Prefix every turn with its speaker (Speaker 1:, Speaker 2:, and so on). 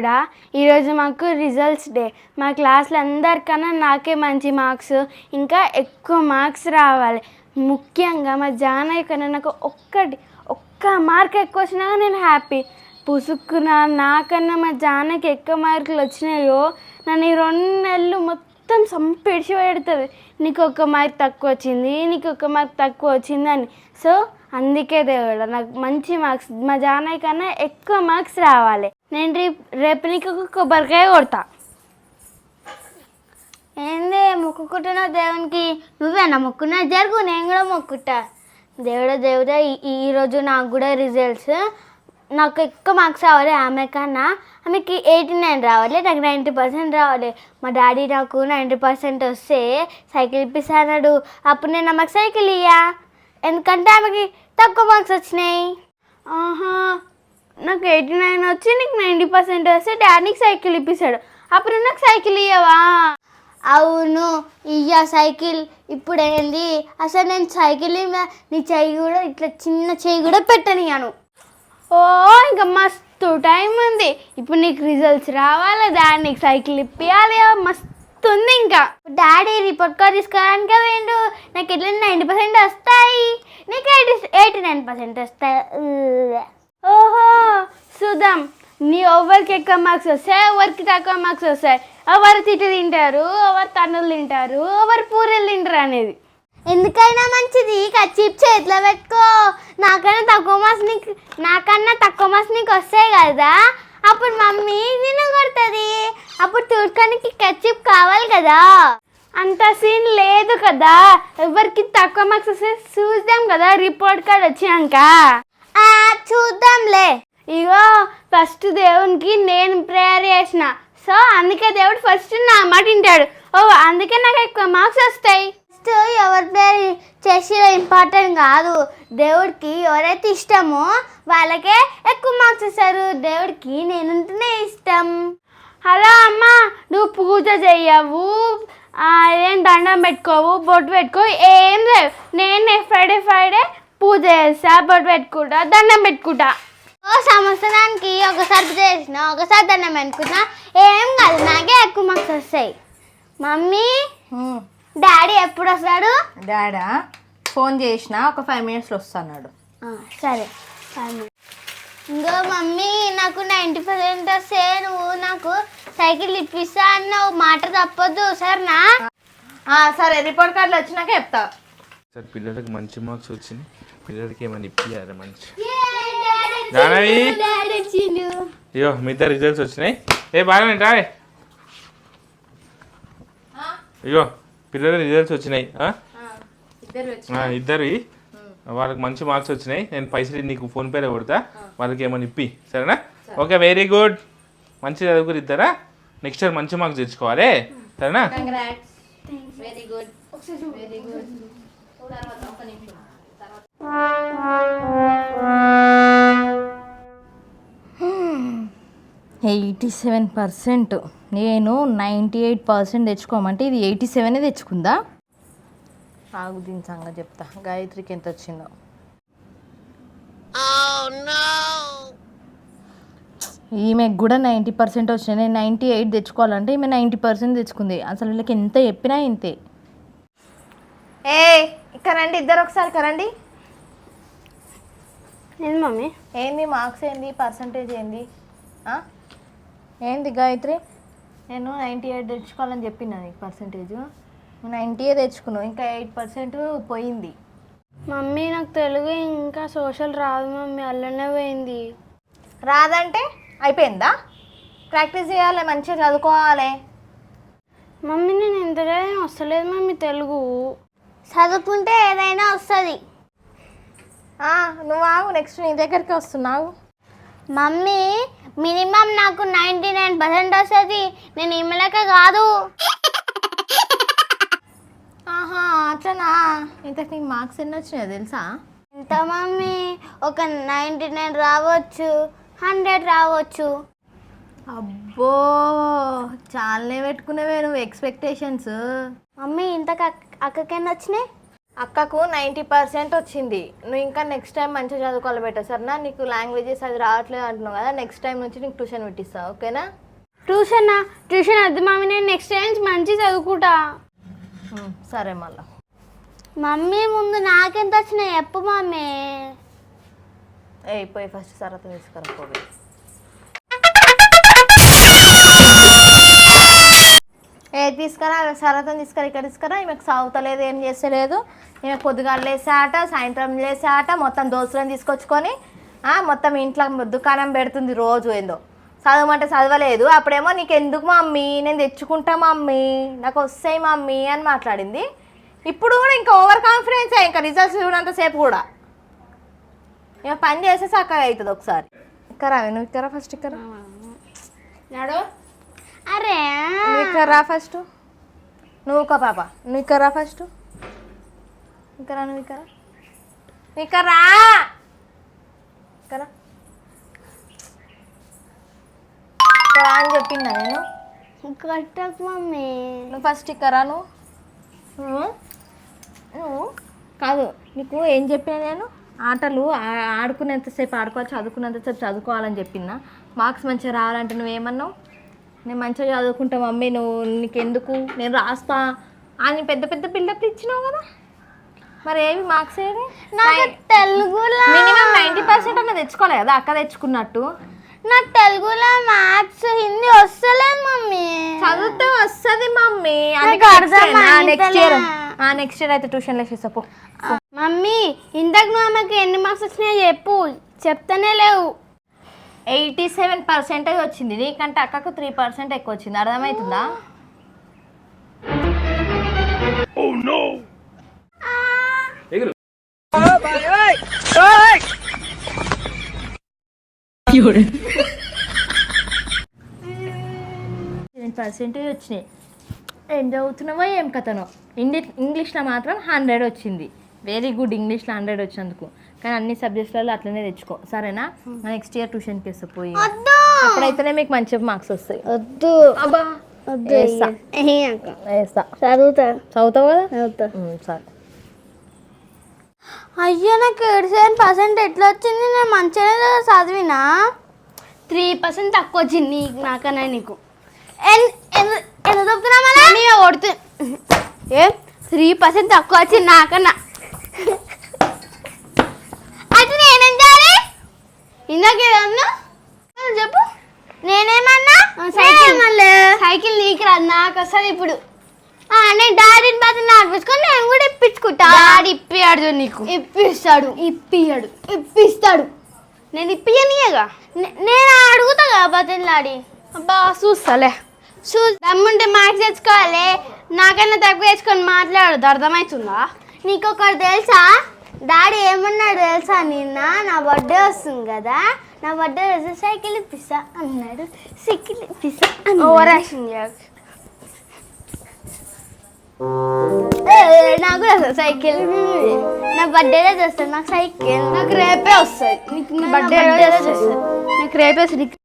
Speaker 1: కూడా ఈరోజు మాకు రిజల్ట్స్ డే. మా క్లాస్లో అందరికన్నా నాకే మంచి మార్క్స్, ఇంకా ఎక్కువ మార్క్స్ రావాలి. ముఖ్యంగా మా జానయ్య కన్నా నాకు ఒక్క మార్క్ ఎక్కువ వచ్చినా నేను హ్యాపీ. పుసుక్కున నాకన్నా మా జానకి ఎక్కువ మార్కులు వచ్చినాయో నన్ను ఈ 2 నెలలు మొత్తం సంపిడిచి పెడుతుంది. నీకు 1 మార్క్ తక్కువ వచ్చింది, నీకు 1 మార్క్ తక్కువ వచ్చింది అని. సో అందుకే దేవుడు నాకు మంచి మార్క్స్, మా జానయ్య కన్నా ఎక్కువ మార్క్స్ రావాలి. నేను రేపు నీకు ఒక కొబ్బరికాయ కొడతా.
Speaker 2: ఏంది మొక్కుకుంటున్నావు దేవునికి? నువ్వేనా మొక్కున్నా? జరుగు, నేను కూడా మొక్కుతా. దేవుడా ఈరోజు నాకు కూడా రిజల్ట్స్, నాకు ఎక్కువ మార్క్స్ రావాలి. ఆమె కన్నా ఆమెకి 89 రావాలి, నాకు 90% రావాలి. మా డాడీ నాకు 90% వస్తే సైకిల్ ఇప్పిస్తాడు. అప్పుడు నేను ఆమెకు సైకిల్ ఇయ్యా, ఎందుకంటే ఆమెకి తక్కువ మార్క్స్ వచ్చినాయి.
Speaker 1: ఆహా, నాకు 89 వచ్చి నీకు 90% వస్తే డాడీకి సైకిల్ ఇప్పిస్తాడు, అప్పుడు నాకు సైకిల్ ఇయ్యవా?
Speaker 2: అవును ఇయ్యా సైకిల్. ఇప్పుడు ఏంది అసలు నేను సైకిల్ నీ చెయ్యి కూడా ఇట్లా చిన్న చెయ్యి కూడా పెట్టనియాను.
Speaker 1: ఓ ఇంకా మస్తు టైం ఉంది. ఇప్పుడు నీకు రిజల్ట్స్ రావాలి, డాడీ నీకు సైకిల్ ఇప్పియాలి, మస్తు ఉంది. ఇంకా
Speaker 2: డాడీ రిపోర్ట్ కార్డ్ తీసుకోవడానికి వేయండు. నాకు ఎట్లా 90% వస్తాయి, నీకు 89% వస్తాయి.
Speaker 1: ఓహో చూద్దాం, నీ ఎవరికి ఎక్కువ మార్క్స్ వస్తాయి, ఎవరికి తక్కువ మార్క్స్ వస్తాయి, ఎవరు తిట్టు తింటారు, ఎవరు తన్నులు తింటారు, ఎవరు పూరీలు తింటారు అనేది.
Speaker 2: ఎందుకైనా మంచిది కచ్చిప్ చేతిలో పెట్టుకో. నాకన్నా తక్కువ మార్క్స్ నీకు వస్తాయి కదా, అప్పుడు మమ్మీ నిన్ను కొడుతుంది. అప్పుడు చూడడానికి కచ్చిప్ కావాలి కదా.
Speaker 1: అంత సీన్ లేదు కదా, ఎవరికి తక్కువ మార్క్స్ వస్తే చూద్దాం కదా రిపోర్ట్ కార్డ్ వచ్చినాక.
Speaker 2: చూద్దాంలే.
Speaker 1: ఇగో ఫస్ట్ దేవునికి నేను ప్రేయర్ చేసిన, సో అందుకే దేవుడు ఫస్ట్ నా మాట వింటాడు. ఓ అందుకే నాకు ఎక్కువ మార్క్స్ వస్తాయి.
Speaker 2: ఫస్ట్ ఎవరి ప్రేయర్ చేసి ఇంపార్టెంట్ కాదు, దేవుడికి ఎవరైతే ఇష్టమో వాళ్ళకే ఎక్కువ మార్క్స్ ఇస్తారు. దేవుడికి నేనుంటేనే ఇష్టం.
Speaker 1: హలో అమ్మ, నువ్వు పూజ చెయ్యవు, ఏం దండం పెట్టుకోవు, బొట్టు పెట్టుకో, ఏం లేవు. నేను ఫ్రైడే పూజ చేస్తా, బొట్టు పెట్టుకుంటా, దండం పెట్టుకుంటా.
Speaker 2: సంవత్సరానికి ఒకసారి పూజ చేసిన, ఒకసారి దండం పెట్టుకున్నా, ఏం కాదు, నాకే ఎక్కువ మార్క్స్ వస్తాయి. మమ్మీ డాడీ ఎప్పుడు వస్తాడు?
Speaker 3: డాడా ఫోన్ చేసిన, ఒక 5 minutesలో వస్తున్నాడు.
Speaker 2: సరే. ఇంకో మమ్మీ నాకు 90% వస్తే నువ్వు నాకు సైకిల్ ఇప్పిస్తా అన్నావు, మాట తప్పొద్దు సరేనా?
Speaker 3: సరే, రిపోర్ట్ కార్డులు వచ్చినాక చెప్తా.
Speaker 4: సార్ పిల్లలకి మంచి మార్క్స్ వచ్చింది, పిల్లలకి ఏమైనా ఇప్పియాలి మంచి. అయ్యో మీ ఇద్దరు రిజల్ట్స్ వచ్చినాయి. బాగా రాయ్. అయ్యో పిల్లల రిజల్ట్స్ వచ్చినాయి, ఇద్దరు వాళ్ళకి మంచి మార్క్స్ వచ్చినాయి. నేను పైసలు నీకు ఫోన్పేలో కొడతా, వాళ్ళకి ఏమైనా ఇప్పి సరేనా? Okay, very good. మంచి చదువుకుని ఇద్దరా, నెక్స్ట్ ఇయర్ మంచి మార్క్స్ తెచ్చుకోవాలి సరేనా?
Speaker 3: Very good. 87%, నేను 98% తెచ్చుకోమంటే ఇది 87 తెచ్చుకుందా? ఆగు, దీని సంగతి చెప్తా. గాయత్రికి ఎంత వచ్చిందో. ఈమెకు కూడా 90% వచ్చినాయి. నేను 98 తెచ్చుకోవాలంటే ఈమె 90% తెచ్చుకుంది. అసలు వీళ్ళకి ఎంత చెప్పినా ఇంతే. ఇక్కడ రండి, ఇద్దరు ఒకసారి కరండి.
Speaker 1: ఏంది మమ్మీ?
Speaker 3: ఏంది మార్క్స్, ఏంది పర్సంటేజ్, ఏంది ఏంది గాయత్రి? నేను 98 తెచ్చుకోవాలని చెప్పినా నీకు పర్సంటేజ్. 90 తెచ్చుకున్నావు, ఇంకా 8% పోయింది.
Speaker 1: మమ్మీ నాకు తెలుగు ఇంకా సోషల్ రాదు మమ్మీ, అల్లనే పోయింది.
Speaker 3: రాదంటే అయిపోయిందా? ప్రాక్టీస్ చేయాలి, మంచిగా చదువుకోవాలి.
Speaker 1: మమ్మీ నేను ఎంత చదివినా వస్తలేదు మమ్మీ తెలుగు.
Speaker 2: చదువుకుంటే ఏదైనా వస్తుంది.
Speaker 3: నువ్వు ఆగు, నెక్స్ట్ నీ దగ్గరికి వస్తున్నావు.
Speaker 2: మమ్మీ మినిమం నాకు 99% వస్తుంది, నేను ఇమ్మలక కాదు.
Speaker 3: అట్లనా? ఇంతకు నీకు మార్క్స్ ఎన్ని వచ్చినాయో తెలుసా?
Speaker 2: ఎంత మమ్మీ? ఒక 99 రావచ్చు, 100 రావచ్చు.
Speaker 3: అబ్బో, చాలానే పెట్టుకునేవే నువ్వు ఎక్స్పెక్టేషన్స్.
Speaker 2: మమ్మీ ఇంతకు అక్కకెన్ని వచ్చినాయి?
Speaker 3: అక్కకు 90% వచ్చింది. నువ్వు ఇంకా నెక్స్ట్ టైం మంచిగా చదువుకోవాలి బెటర్ సరేనా? నీకు లాంగ్వేజెస్ అది రావట్లేదు అంటున్నావు కదా, నెక్స్ట్ టైం నుంచి నీకు ట్యూషన్ పెట్టిస్తా, ఓకేనా?
Speaker 1: ట్యూషన్ వద్దు మమ్మీ, నేను నెక్స్ట్ టైం మంచి చదువుకుంటా.
Speaker 3: సరే మళ్ళా.
Speaker 2: మమ్మీ ముందు నాకెంత వచ్చినాయి చెప్పు మమ్మీ.
Speaker 3: పోయి ఫస్ట్ సరత తీసుకురా పోయి. తీసుకురా సరతం తీసుకురా, ఇక్కడ తీసుకురా. ఈమెకు సాగుతలేదు, ఏం చేస్తలేదు. ఈమె పొద్దుగాలు లేసాట, సాయంత్రం లేసాట, మొత్తం దోస్తులను తీసుకొచ్చుకొని మొత్తం ఇంట్లో దుకాణం పెడుతుంది రోజు. ఏందో చదవమంటే చదవలేదు. అప్పుడేమో నీకు ఎందుకు మమ్మీ, నేను తెచ్చుకుంటా మమ్మీ, నాకు వస్తాయి మమ్మీ అని మాట్లాడింది. ఇప్పుడు కూడా ఇంకా ఓవర్ కాన్ఫిడెన్స్, ఇంకా రిజల్ట్స్ చూడంతసేపు కూడా ఇక పని చేస్తే చక్కగా అవుతుంది. ఒకసారి ఇక్కడ నువ్వు ఇక్కడ ఫస్ట్ ఇక్కడ
Speaker 1: నాడు
Speaker 2: అరే
Speaker 3: నువ్వు ఇక్కడ రా ఫస్ట్. నువ్వు ఒక పాప, నువ్వు ఇక్కడ రా ఫస్ట్. ఇక్కడ నువ్వు ఇక్కడ ఇక్కడ రా, ఇక్కడ అని చెప్పిందా నేను?
Speaker 2: కట్టకు మమ్మీ.
Speaker 3: నువ్వు ఫస్ట్ ఇక్కడ రా. నువ్వు కాదు, నీకు ఏం చెప్పినా నేను? ఆటలు ఆడుకునేంతసేపు ఆడుకోవాలి, చదువుకునేంతసేపు చదువుకోవాలని చెప్పినా. మార్క్స్ మంచిగా రావాలంటే నువ్వేమన్నావు? నేను మంచిగా చదువుకుంటా మమ్మీ, నీకెందుకు, నేను రాస్తా అని పెద్ద పెద్ద బిల్డప్లు ఇచ్చినావు కదా. మరి ఏవి మార్క్స్ ఏవి?
Speaker 2: నాకు తెలుగులో
Speaker 3: మినిమం 90% అన్న తెచ్చుకోవాలి కదా అక్క తెచ్చుకున్నట్టు.
Speaker 2: నాకు తెలుగులో మ్యాథ్స్ హిందీ వస్తలేదు మమ్మీ.
Speaker 3: చదివితే వస్తుంది మమ్మీ. నెక్స్ట్ ఇయర్ అయితే ట్యూషన్లో వేసేసా.
Speaker 1: మమ్మీ ఇంతకు నువ్వు ఆమెకి ఎన్ని మార్క్స్ వచ్చినాయో చెప్పు, చెప్తానే లేవు.
Speaker 3: 87% వచ్చింది, నీకంటే అక్కకు 3% ఎక్కువ వచ్చింది. అర్థమవుతుందా?
Speaker 4: ఎగురు.
Speaker 3: పర్సెంటేజ్ వచ్చినాయి. ఏం చదువుతున్నావో ఏం కథనో. ఇంగ్లీష్లో మాత్రం 100 వచ్చింది. వెరీ గుడ్, ఇంగ్లీష్లో 100 వచ్చినందుకు. కానీ అన్ని సబ్జెక్ట్స్లలో అట్లనే తెచ్చుకో సరేనా? నెక్స్ట్ ఇయర్ ట్యూషన్కి వేస్తా పోయి, అప్పుడైతేనే మీకు మంచి మార్క్స్ వస్తాయి.
Speaker 2: వద్దు
Speaker 3: అబ్బా
Speaker 2: వేస్తా.
Speaker 3: చదువుతావు కదా? సరే.
Speaker 2: అయ్యో నాకు 87% ఎట్లా వచ్చింది? నేను మంచిగానే చదివినా.
Speaker 1: 3% తక్కువ వచ్చింది నీకు నాకన్నా. నీకు
Speaker 2: ఎంత చెప్తున్నా మళ్ళీ
Speaker 1: కొడుతు ఏం 3% తక్కువ వచ్చింది నాకన్నా.
Speaker 2: అయితే నేనేం చేయాలి?
Speaker 1: ఇందాకేదన్నా చెప్పు.
Speaker 2: నేనేమన్నా?
Speaker 1: సైకిల్ నీకు రాదు, నాకు వస్తుంది ఇప్పుడు.
Speaker 2: నేను డాడీని బతి నడిపించుకొని నేను కూడా ఇప్పించుకుంటా.
Speaker 1: డాడీ ఇప్పియాడు నీకు. ఇప్పిస్తాడు. నేను ఇప్పియనియగా.
Speaker 2: నేను అడుగుతా కదా బతిలాడి.
Speaker 1: అబ్బా చూస్తాలే. దమ్ముంటే మార్క్స్ తెచ్చుకోవాలి, నాకన్నా తక్కువ తెచ్చుకొని మాట్లాడదు. అర్థమవుతుందా?
Speaker 2: నీకు ఒకటి తెలుసా? డాడీ ఏమన్నాడు తెలుసా? నిన్న నా బర్త్డే వస్తుంది కదా, నా బర్త్డే రోజు సైకిల్ ఇప్పిస్తా అన్నాడు. సైకిల్ ఇప్పిస్తా
Speaker 1: ఓవర్ యాక్షన్ చేయకు.
Speaker 2: నాకు కూడా వస్తుంది సైకిల్. నా బర్త్డే రోజు వస్తుంది నాకు సైకిల్.
Speaker 1: నాకు రేపే వస్తుంది. నీకు బర్త్డే వస్తుంది. నాకు రేపే వస్తుంది.